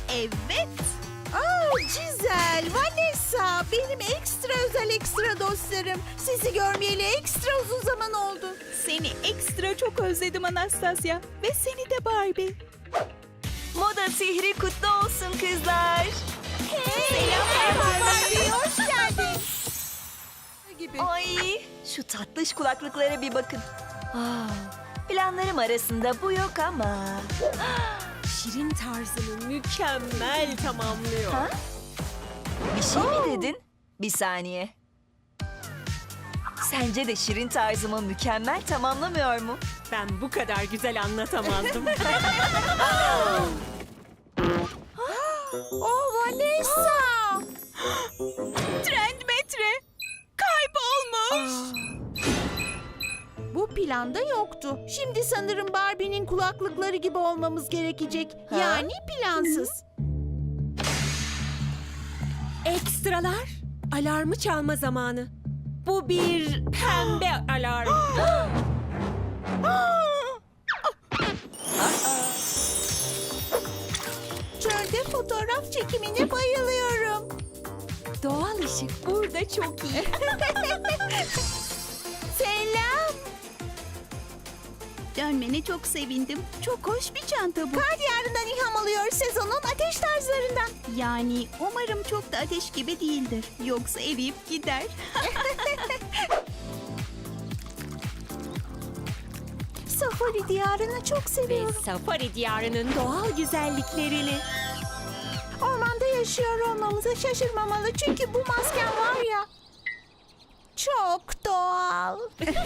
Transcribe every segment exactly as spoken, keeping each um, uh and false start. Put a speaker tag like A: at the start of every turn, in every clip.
A: Evet.
B: Aa, Cizel, Vanessa, benim ekstra özel ekstra dostlarım. Sizi görmeyeli ekstra uzun zaman oldu.
A: Seni ekstra çok özledim Anastasia. Ve seni de Barbie.
C: Moda sihri kutlu olsun kızlar.
B: Selam Barbie, hoş geldin. Gibi.
C: Ay, şu tatlış kulaklıklara bir bakın. Aa, planlarım arasında bu yok ama.
D: Şirin tarzını mükemmel tamamlıyor.
C: Ha? Bir şey mi dedin? Bir saniye. Sence de Şirin tarzımı mükemmel tamamlamıyor mu?
D: Ben bu kadar güzel anlatamazdım.
B: Oh, Vanessa.
A: Trend metre. Kaybolmuş.
B: Bu planda yoktu. Şimdi sanırım Barbie'nin kulaklıkları gibi olmamız gerekecek.
C: Ha?
B: Yani plansız.
D: Ekstralar, alarmı çalma zamanı. Bu bir pembe alarm.
B: Çölde fotoğraf çekimine bayılıyorum.
D: Doğal ışık burada çok iyi.
B: Selam.
A: Dönmene çok sevindim. Çok hoş bir çanta bu.
B: Kar diyarından ilham alıyor sezonun ateş tarzlarından.
A: Yani umarım çok da ateş gibi değildir. Yoksa eriyip gider.
B: Safari diyarını çok
D: Ve
B: seviyorum.
D: safari diyarının doğal güzelliklerini.
B: Ormanda yaşıyor olmamıza şaşırmamalı. Çünkü bu masken var ya. Çok doğal.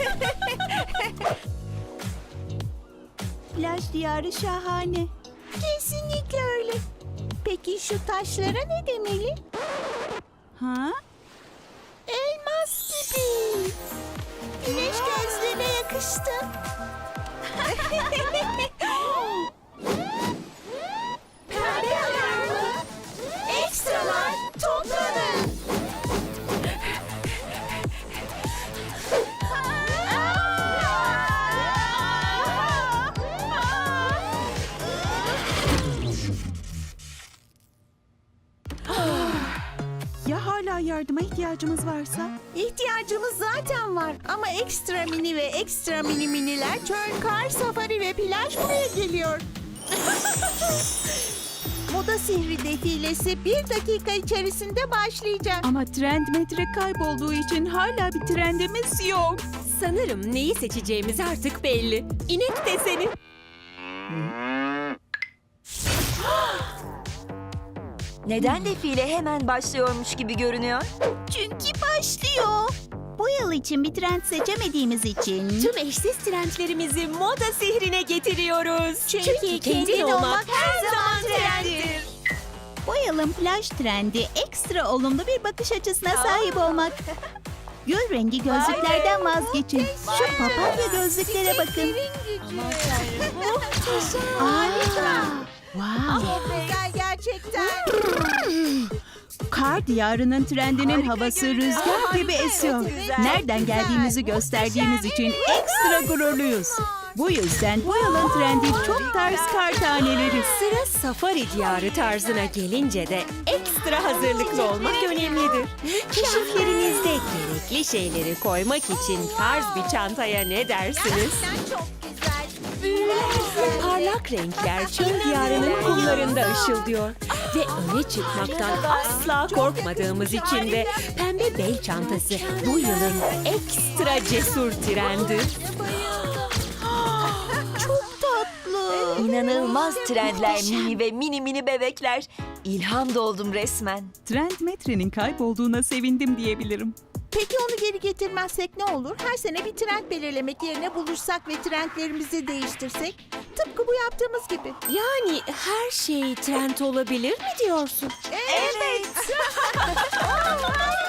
A: Plaj diyarı şahane.
B: Kesinlikle öyle. Peki şu taşlara ne demeli?
A: Ha?
B: Elmas gibi. Güneş gözlerine yakıştı. Pembe alarmı. Ekstralar toplanın.
A: Ya hala yardıma ihtiyacımız varsa?
B: İhtiyacımız zaten var ama ekstra mini ve ekstra mini miniler çöl, kar, safari ve plaj buraya geliyor. Moda sihri defilesi bir dakika içerisinde başlayacak.
A: Ama trend metre kaybolduğu için hala bir trendimiz yok.
D: Sanırım neyi seçeceğimiz artık belli. İnek deseni.
C: Neden defile hemen başlıyormuş gibi görünüyor?
A: Çünkü başlıyor. Bu yıl için bir trend seçemediğimiz için.
D: Tüm eşsiz trendlerimizi moda sihrine getiriyoruz.
B: Çünkü kendin olmak her zaman trenddir.
A: Bu yılın plaj trendi ekstra olumlu bir bakış açısına sahip olmak. Gül rengi gözlüklerden vazgeçin. Şu papatya gözlüklere bakın. Harika. Wow.
B: Çok güzel gerçekten.
A: Kar diyarının trendinin havası rüzgar gibi esiyor.
B: güzel,
A: Nereden
B: çok
A: geldiğimizi
B: güzel.
A: gösterdiğimiz için ekstra gururluyuz. Bu yüzden bu yılın trendi çok tarz kar taneleri.
D: Sıra safari diyarı tarzına gelince de ekstra hazırlıklı olmak önemlidir. Keşiflerinizde gerekli şeyleri koymak için tarz bir çantaya ne dersiniz?
B: Gerçekten çok güzel.
D: Parlak renkler çöl diyarının kumlarında ışıldıyor. Ve öne çıkmaktan asla korkmadığımız için de pembe bel çantası bu yılın ekstra cesur trendi.
C: İnanılmaz trendler, mini ve mini mini bebekler. İlham doldum resmen.
A: Trend metrenin kaybolduğuna sevindim diyebilirim.
B: Peki onu geri getirmezsek ne olur? Her sene bir trend belirlemek yerine buluşsak ve trendlerimizi değiştirsek? Tıpkı bu yaptığımız gibi.
D: Yani her şey trend olabilir mi diyorsun?
B: Evet.